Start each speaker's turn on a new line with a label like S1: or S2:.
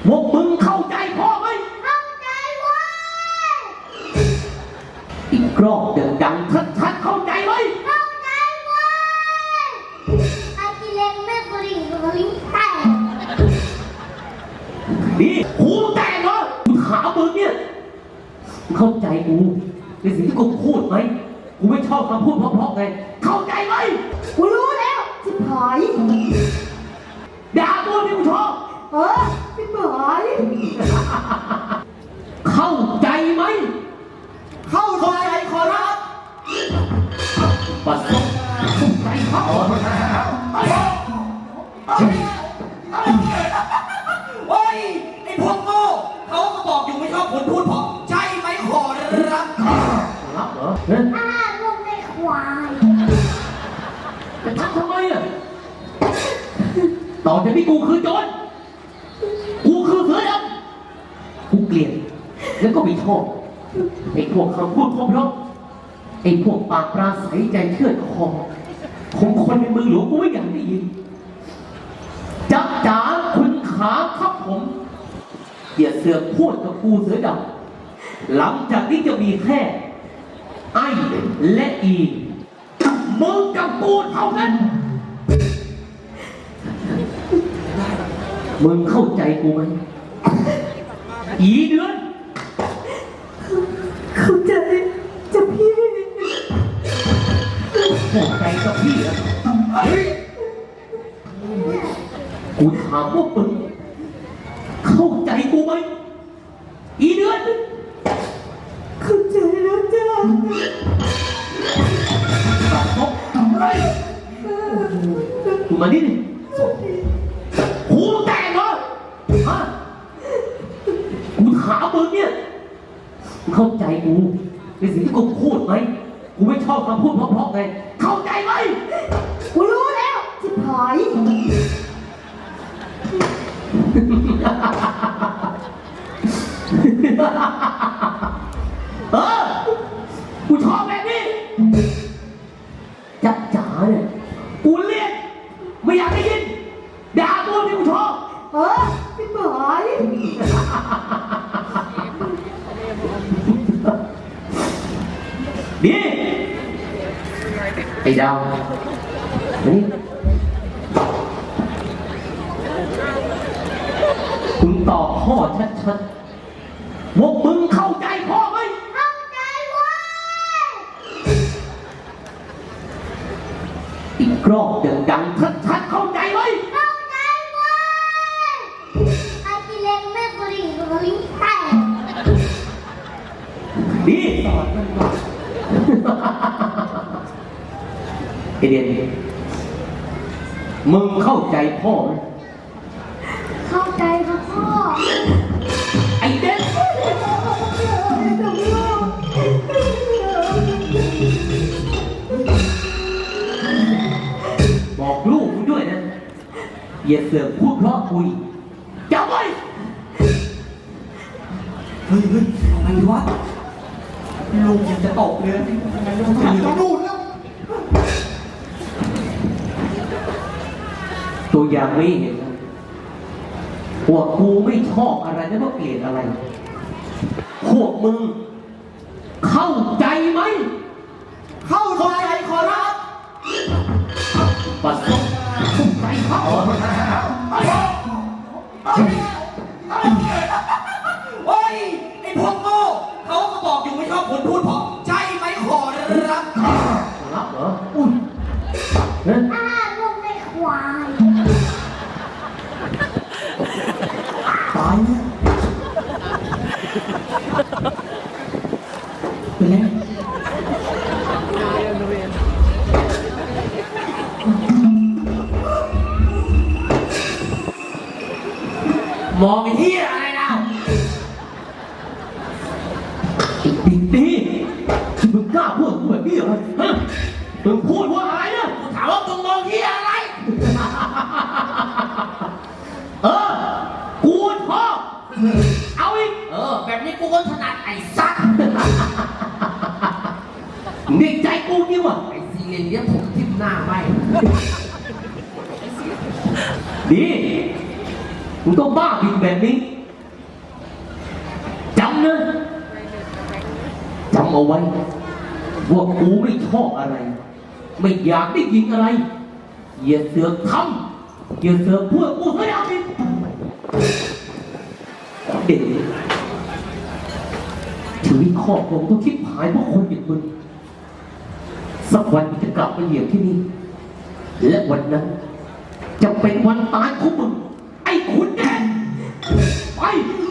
S1: พวกมึงเข้าใจพ่อไหม
S2: เข้าใจเว้ย
S1: อีกรอบดังๆชัดๆเข้าใจไหม
S2: เข้าใจเว้ยไอ้กิเลนแม่กระดิ่งกระลิ่งแตก
S1: นี่หูแตกเหรอกูถามมึงเนี่ยมึงเข้าใจกูในสิ่งที่กูพูดไหมกูไม่ชอบคำพูดเพราะๆไงเข้าใจไหม
S2: กูรู้แล้วชิบหาย
S1: ด่าตัวที่กูชอบ
S2: ชิบหาย
S1: เข้าใจไหม
S2: เข้าใจขอรับ
S1: ปัสสาวะเข้าใจเขา
S3: โอ้ยไอ้พวกโง่เขาก็บอกอยู่ไม่ชอบคนพูดเพราะใช่ไหมขอรับ
S1: รับเหรอ
S2: ลูกในควาย
S1: จะทำไมอ่ะต่อจากนี้กูคือโจรกูคือเสือดำกูเกลียดแล้วก็ไม่ชอบไอ้พวกคำพูดเพราะไอ้พวกปากปราศัยใจเชื่อดคอของคนในเมืองหลวงกูไม่อยากได้ยินจ๊ะจ๋าคุณขาครับผมอย่าเสือกพูดกับกูเสือดำหลังจากนี้จะมีแค่ไอ้และอีมึงกับกูเท่านั้นมึงเข้าใจกูไหมอีเดือน
S2: เข้าใจจะพี่
S1: เข้าใจกับพี่อะกูถามว่ามึงเข้าใจกูไหมอีเดือน
S2: เข้าใจแล้วจ้า
S1: ตัดตกอะไรกูมานี่ดิหูแตกเหรอฮะกูถามมึงเนี่ยมึงเข้าใจกูในสิ่งที่กูพูดไหมกูไม่ชอบคำพูดเพราะๆไงเข้าใจไหม
S2: กูรู้แล้วชิบหาย
S1: กูชอบแบบนี้จ๊ะจ๋าเนี่ยกูเรียกไม่อยากได้ยินด่าตัวที่กูชอบ
S2: ชิบหาย
S1: นี่ไอ้ดาวนี่คุณตอบพ่อชัดๆว่ามึงเข้าใจพ่อไหม
S2: เข้าใจเว้ย
S1: อีกรอบดังๆชัดๆเข้าใจไหม
S2: เข้าใจเว้ยไอ้กิเลนแม่กระดิ่งกระลิ่งแตก
S1: ดีสอนมันว่าไอเดียนมึงเข้าใจพ่อไหม
S2: เข้าใจครับพ่อ
S1: ไอเด่นบอกลูกมึงด้วยนะอย่าเสือกพูดเพราะคุยจำไว้
S3: เฮ้ยทำไมวะลูกยังจะตกเลยทำไมลูกถึงต้องดูแล้ว
S1: ตัวอย่างไม่เห็นนะพวกกูไม่ชอบอะไรแล้วก็เกลียดอะไรพวกมึงเข้าใจไหม
S3: เข้าใจขอรับ
S1: ปัสสาวะเข้าใจเขา
S3: โอ้ยไอ้พวกโง่เขาก็บอกอยู่ไม่ชอบคนพูดเพราะใช่ไหมขอรับ
S1: รับเหรออุ้ย
S2: ลูกในควาย
S3: ตายเนี่ยเป็นไงมองไปที่อะไรนะ
S1: อีกทีมึงกล้าพูดแบบนี้เหรอฮะมึงพูดว่าอะไรนะ
S3: ถามว่ามึงมองที่อะไร
S1: กูชอบเอาอีก
S3: แบบนี้กูก็ถนัดไอ้สัตว์
S1: ในใจกูนี่วะ
S3: ไอ้ซีเรียนเนี้ยผมทิ่มหน้าไม่
S1: ดีมึงต้องบ้าบินแบบนี้จำนะจำเอาไว้ว่ากูไม่ชอบอะไร ไม่อยากได้ยินอะไรอย่าเสือกทำอย่าเสือกพูดกูให้เอาดิเด็กชีวิตครอบครัวต้องคิดหายเพราะคนอย่างมึงสักวันมึงจะกลับมาเหยียบที่นี่และวันนั้นจะเป็นวันตายของมึงไอ้ขุนแดนไป